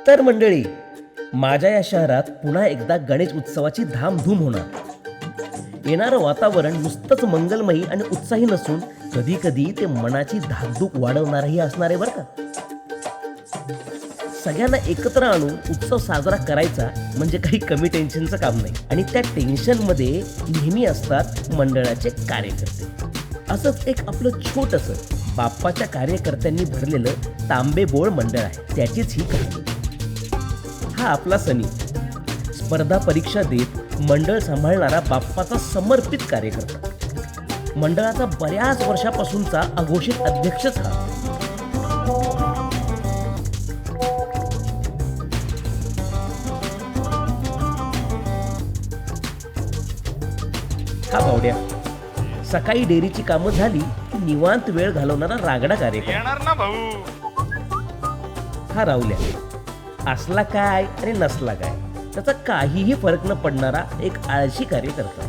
तर मंडळी, माझ्या या शहरात पुन्हा एकदा गणेश उत्सवाची धामधूम होणार. येणारं वातावरण नुसतंच मंगलमयी आणि उत्साही नसून कधी कधी ते मनाची धाकधूक वाढवणारही असणार आहे बरं का. सगळ्यांना एकत्र आणून उत्सव साजरा करायचा म्हणजे काही कमी टेन्शनचं काम नाही. आणि त्या टेन्शनमध्ये नेहमी असतात मंडळाचे कार्यकर्ते. असंच एक आपलं छोटंसं बाप्पाच्या कार्यकर्त्यांनी भरलेलं तांबेबोळ मंडळ आहे. त्याचीच ही कहाणी. हा आपला सनी स्पर्धा परीक्षा देत मंडळ सांभाळणारा बाप्पाचा समर्पित कार्यकर्ता. मंडळाचा बऱ्याच वर्षापासूनचा अघोषित अध्यक्षच हा. हा भावड्या सकाळी डेअरीची कामं झाली की निवांत वेळ घालवणारा रागडा कार्यकर्ता. येणार ना भाऊ. हा राहुल्या असला काय आणि नसला काय त्याचा काहीही फरक न पडणारा एक आळशी कार्यकर्ता.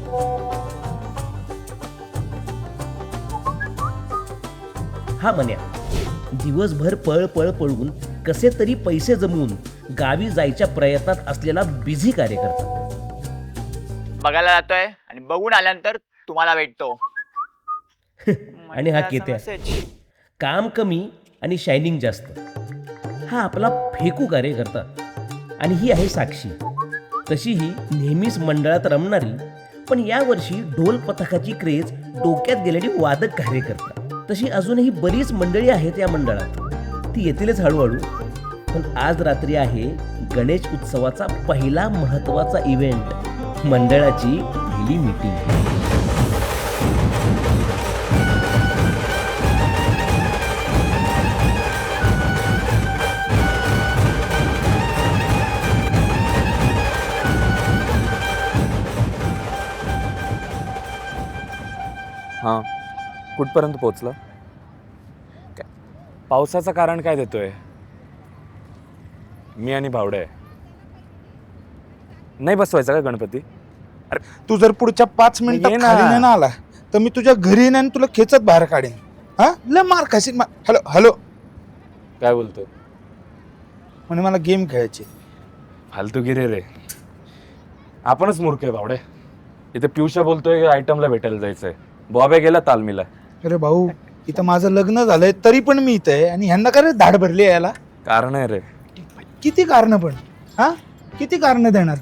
हा मन्या दिवसभर पळ पळ पळून कसे तरी पैसे जमवून गावी जायच्या प्रयत्नात असलेला बिझी कार्यकर्ता. बघायला जातोय आणि बघून आल्यानंतर तुम्हाला भेटतो. आणि हा केत्या काम कमी आणि शायनिंग जास्त. हा आपला फेकू कार्यकर्ता. आणि ही आहे साक्षी. तशीही नेहमीच मंडळात रमणारी पण यावर्षी ढोल पथकाची क्रेज डोक्यात गेलेली वादक कार्यकर्ता. तशी अजूनही बरीच मंडळी आहेत या मंडळात. ती येतीलच हळूहळू. पण आज रात्री आहे गणेश उत्सवाचा पहिला महत्त्वाचा इव्हेंट, मंडळाची पहिली मीटिंग. हां, कुठपर्यंत पोचलं? पावसाचं कारण काय देतोय? मी आणि भावडे नाही बसवायचा का गणपती? अरे तू जर पुढच्या 5 मिनिटात ये ना. खाली नाही ना आला तर मी तुझ्या घरी येईन आणि तुला खेचत बाहेर काढेन. हा लय मार खाशील. हॅलो हॅलो काय बोलतोय? म्हणे मला गेम खेळायची. फालतूगिरी रे. आपणच मूर्ख आहे भावडे. इथे पियुषा बोलतोय आयटमला भेटायला जायचंय. बॉबे गेला तालमीला. अरे भाऊ इथं माझं लग्न झालंय तरी पण मी इथं आहे आणि ह्यांना काय रे धाड भरली आहे याला. कारण आहे रे. किती कारण पण हा किती कारण देणार.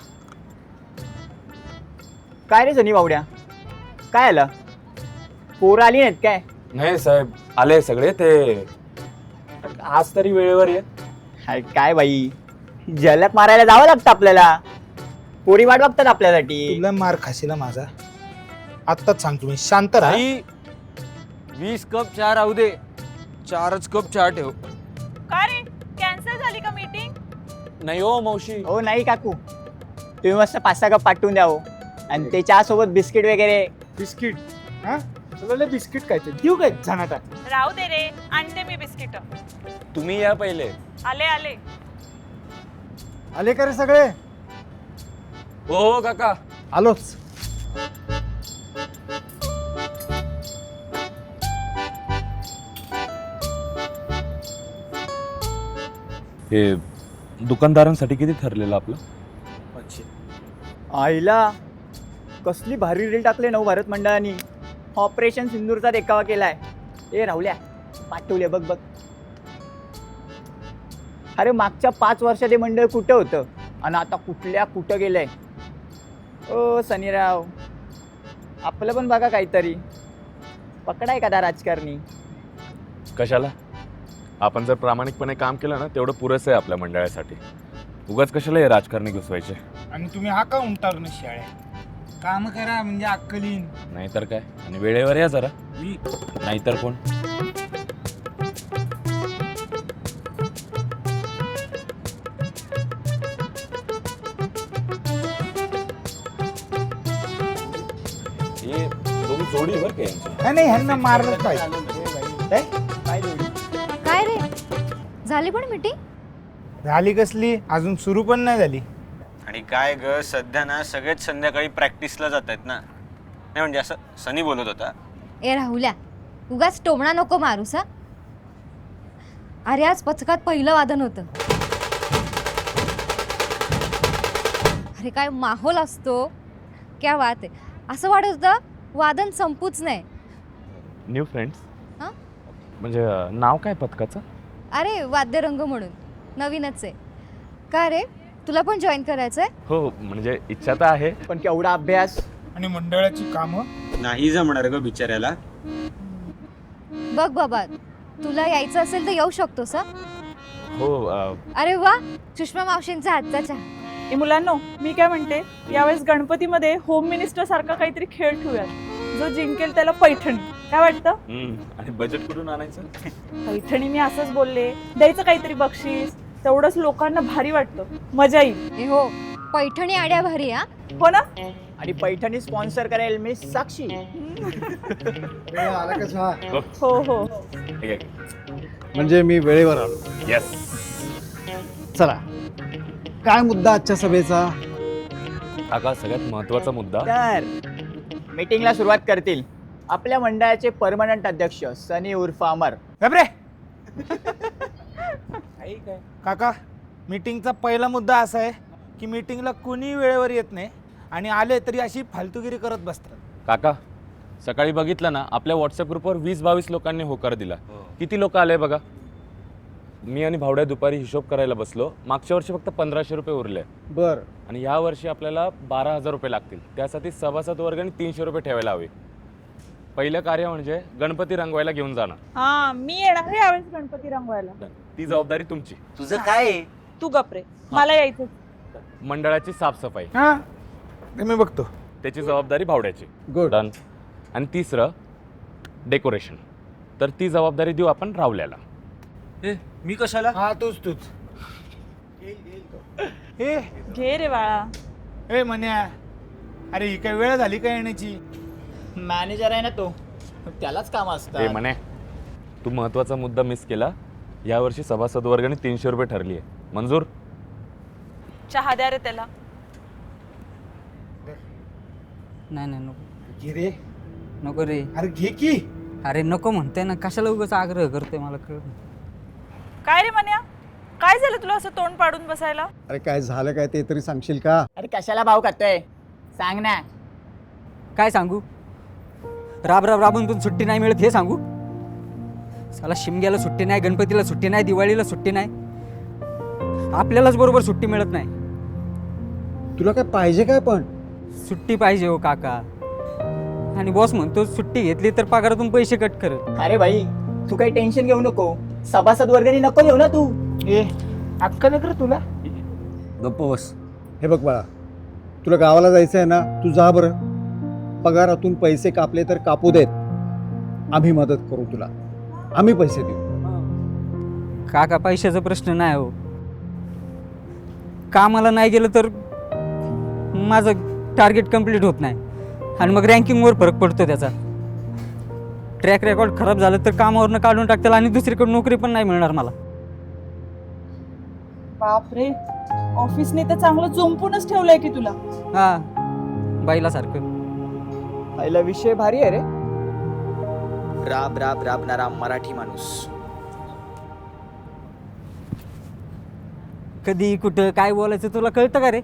काय रे सनी बावड्या, काय आलं? पोरं आली नाहीत काय? नाही साहेब आले सगळे. ते आज तरी वेळेवर ये. हाय, काय बाई झलक मारायला जावं लागतं आपल्याला. पोरी वाट बघतात आपल्यासाठी. तुला मार खाशील माझा. आत्ताच सांगतो मी. शांत राहा. 20 कप चहा राहू दे. 4च कप चहा ठेव. का रे कॅन्सल झाली का मीटिंग? नाही हो मावशी. हो नाही काकू, तुम्ही मस्त 5-6 कप पाठवून द्या हो. आणि ते चहा सोबत बिस्किट वगैरे. बिस्किट हा तुला लय बिस्किट काय ते देऊ काय झानाटा. राहू दे रे, आणते मी बिस्किट. तुम्ही या पहिले. आले आले. आले का रे सगळे? हो काका. आलोच. हे दुकानदारांसाठी किती ठरलेलं आपलं? आईला कसली भारी रील टाकले नव भारत मंडळाने. ऑपरेशन सिंदूरचा देखावा केलाय. ए राहुल्या पाठवले बघ बघ. अरे मागच्या 5 वर्षात हे मंडळ कुठं होतं आणि आता कुठं गेलंय. ओ सनीराव, आपलं पण बघा काहीतरी. पकडा एखादा राजकारणी. कशाला? आपण जर प्रामाणिकपणे काम केलं ना तेवढं पुरेसं आहे आपल्या मंडळासाठी. उगाच कशाला हे राजकारणी घुसवायचे. आणि तुम्ही हा का उंटारून शाळे काम करा म्हणजे अक्कलीन. नाहीतर काय. आणि वेळेवर या जरा. नाहीतर कोण. हे दोन जोडी बर का यांची. नाही ह्यांना मारलं पाहिजे. काय जोडी. काय रे झाली पण मीटिंग? झाली कसली अजून सुरू पण नाही झाली. आणि काय ग सध्या ना सगळेच संध्याकाळी प्रॅक्टिसला जात आहेत ना. नाही म्हणजे असं सनी बोलत होता. ए राहुल्या, उगाच टोमणा नको मारूस हा. अरे आज पथकात पहिलं वादन होतं. अरे काय माहोल असतो, क्या बात आहे. असं वाटत होतं वादन संपूच नाही. न्यू फ्रेंड्स हां? म्हणजे नाव काय पथकाचं? अरे वाद्यरंग म्हणून नवीनच आहे. का रे, तुला पण जॉईन करायचं आहे? हो म्हणजे इच्छा तर आहे. पण केवढा अभ्यास. आणि मंडळाची कामं. नाही जमणार ग बिचाऱ्याला. बघ बाबा, तुला यायचं असेल तर येऊ शकतोस हा. हो अरे वा, सुषमा मावशींचा हातचा चहा. ए मुलांनो, मी काय म्हणते, यावेळेस गणपतीमध्ये होम मिनिस्टर सारखा काहीतरी खेळ ठेवूयात. जो जिंकेल त्याला पैठणी. काय वाटतं? आणि बजेट कुठून आणायचं? पैठणी मी असंच बोलले, द्यायचं काहीतरी बक्षीस. तेवढंच लोकांना भारी वाटतं, मजा येईल. ए हो, पैठणी आड्या भारी हा. हो ना? आणि पैठणी स्पॉन्सर करेल मी साक्षी. आला का चहा? हो हो. म्हणजे मी वेळेवर आलो. येस. चला, काय मुद्दा आजच्या सभेचा? काका सगळ्यात महत्वाचा मुद्दा. तर मीटिंगला सुरुवात करतील आपल्या मंडळाचे परमनंट अध्यक्ष सनी उर्फ अमर. घाबरे. काका, मीटिंगचा पहिला मुद्दा असा आहे की मीटिंगला कुणी वेळेवर येत नाही आणि आले तरी अशी फालतूगिरी करत बसतात. काका सकाळी बघितलं ना, आपल्या व्हॉट्सअप ग्रुपवर 20-22 लोकांनी होकार दिला. किती लोक आले बघा. मी आणि भावड्या दुपारी हिशोब करायला बसलो. मागच्या वर्षी फक्त 1500 रुपये उरले बर, आणि या वर्षी आपल्याला 12,000 रुपये लागतील. त्यासाठी सभासद वर्गाने 300 रुपये ठेवायला हवे. पहिलं कार्य म्हणजे गणपती रंगवायला घेऊन जाणं. हा, मी येणार आहे यावेळेस गणपती रंगवायला. ती जबाबदारी तुमची. तुझं काय आहे? तू गपरे, मला यायचं. मंडळाची साफसफाई हां, ते मी बघतो. त्याची जबाबदारी भावड्याची. गुड. डन. आणि तिसरं डेकोरेशन, तर ती जबाबदारी देऊ आपण रावल्याला. मी कशाला? हा, तूच. हे घे रे बाळा. हे म्हण्या, अरे ही काय वेळ झाली का येण्याची? मॅनेजर आहे ना तो, त्यालाच काम हे असतं. म्हणे, तू महत्वाचा मुद्दा मिस केला. यावर्षी सभासद वर्गाने 300 रुपये ठरली आहे. मंजूर? चहा द्या रे त्याला. नाही नको घे रे. नको रे. अरे घे की. अरे नको म्हणते ना, कशाला उगाच आग्रह करते, मला कळ. काय रे मन्या, काय झालं तुला असं तोंड पाडून बसायला? अरे काय झालं काय ते तरी सांगशील का? अरे कशाला भाव करतोय, सांग ना. काय सांगू? राबून पण सुट्टी नाही मिळत हे सांगू? साला शिमग्याला सुट्टी नाही, गणपतीला सुट्टी नाही, दिवाळीला सुट्टी नाही, आपल्यालाच बरोबर सुट्टी मिळत नाही. तुला काय पाहिजे काय पण? सुट्टी पाहिजे हो काका. आणि बॉस म्हणतो सुट्टी घेतली तर पगारातून पैसे कट करत. अरे भाई, तू काही टेन्शन घेऊ नको. सभासद वर्गणी नको घेऊ ना तू. ए, अक्कल आहे का रे तुला? गप्प बस. हे बघ बाळा, तुला गावाला जायचं आहे ना, तू जा बरं. पगारातून पैसे कापले तर कापू देत, आम्ही मदत करू तुला, आम्ही पैसे देऊ. काका पैशाचा प्रश्न नाही हो. कामाला नाही गेलं तर माझं टार्गेट कंप्लीट होत नाही आणि मग रँकिंगवर फरक पडतो त्याचा. ट्रॅक रेकॉर्ड खराब झालं तर कामावरनं काढून टाकतील आणि दुसरीकडे नोकरी पण नाही मिळणार मला. बापरे, ऑफिसने तर चांगलं चोंपूनच ठेवलंय की तुला. हा, बाईला सारखं. पहिला विषय भारी आहे रे. राबणारा मराठी माणूस. कधी कुठं काय बोलायचं तुला कळतं का रे?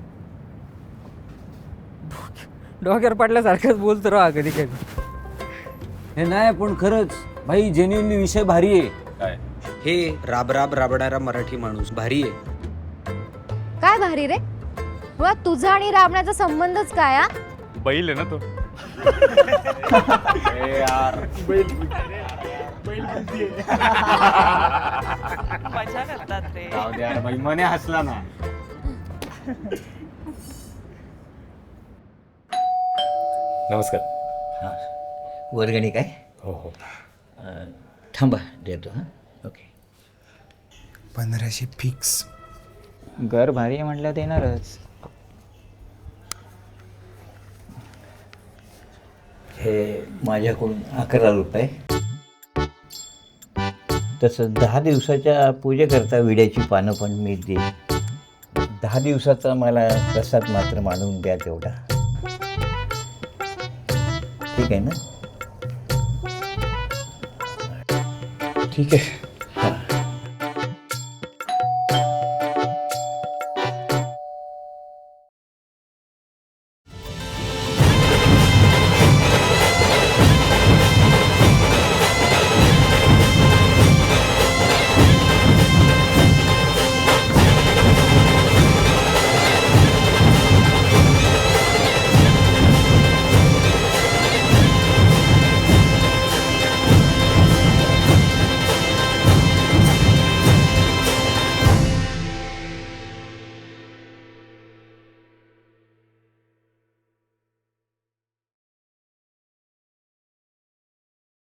डोक्यावर पडल्यासारखंच बोलतो राहा कधी कधी. हे नाही पण खरंच भाई, जेन्युइनली विषय भारी आहे. काय? हे राबणारा मराठी माणूस भारी आहे. काय भारी रे? मुळात तुझा आणि राबण्याचा संबंधच काय हा? बैल आहे ना तो. मजा करतात रे. जाऊ द्या बाई, मने हसला ना. नमस्कार. वर्गणी काय? हो हो. थांबा देतो. हां, ओके. 1500 फिक्स. घर भारी आहे म्हटलं देणारच. हे माझ्याकडून 11 रुपये. तसं 10 दिवसाच्या पूजेकरता विड्याची पानं पण मी देईन. 10 दिवसाचा मला प्रसाद मात्र मानून द्या तेवढा. ठीक आहे ना? ठीक आहे.